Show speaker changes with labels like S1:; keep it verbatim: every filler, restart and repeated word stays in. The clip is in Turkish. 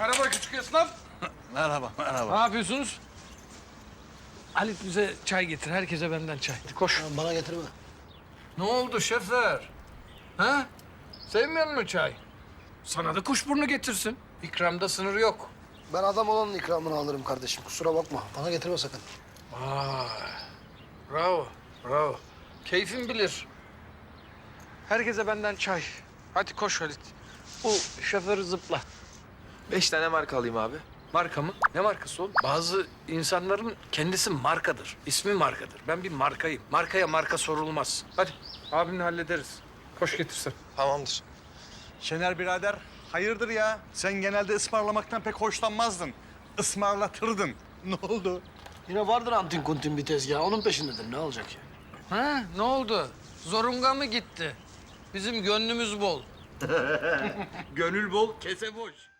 S1: Merhaba küçük esnaf.
S2: Merhaba, merhaba.
S1: Ne yapıyorsunuz? Halit bize çay getir. Herkese benden çay. Koş.
S3: Bana getirme.
S1: Ne oldu şefer? Ha? Sevmiyor musun çay? Sana da kuşburnu getirsin. İkramda sınır yok.
S3: Ben adam olanın ikramını alırım kardeşim. Kusura bakma. Bana getirme sakın.
S1: Vay. Bravo, bravo. Keyfin bilir. Herkese benden çay. Hadi koş Halit. Bu şoförü zıpla.
S4: Beş tane marka alayım abi.
S1: Marka mı? Ne markası oğlum? Bazı insanların kendisi markadır. İsmi markadır. Ben bir markayım. Markaya marka sorulmaz. Hadi abimle hallederiz. Koş getirsen.
S4: Tamamdır.
S2: Şener birader, hayırdır ya? Sen genelde ısmarlamaktan pek hoşlanmazdın. Ismarlatırdın. Ne oldu?
S3: Yine vardır antin kuntin bir tezgah. Onun peşindedir. Ne olacak ya?
S1: Ha, ne oldu? Zorunga mı gitti? Bizim gönlümüz bol.
S2: Gönül bol, kese boş.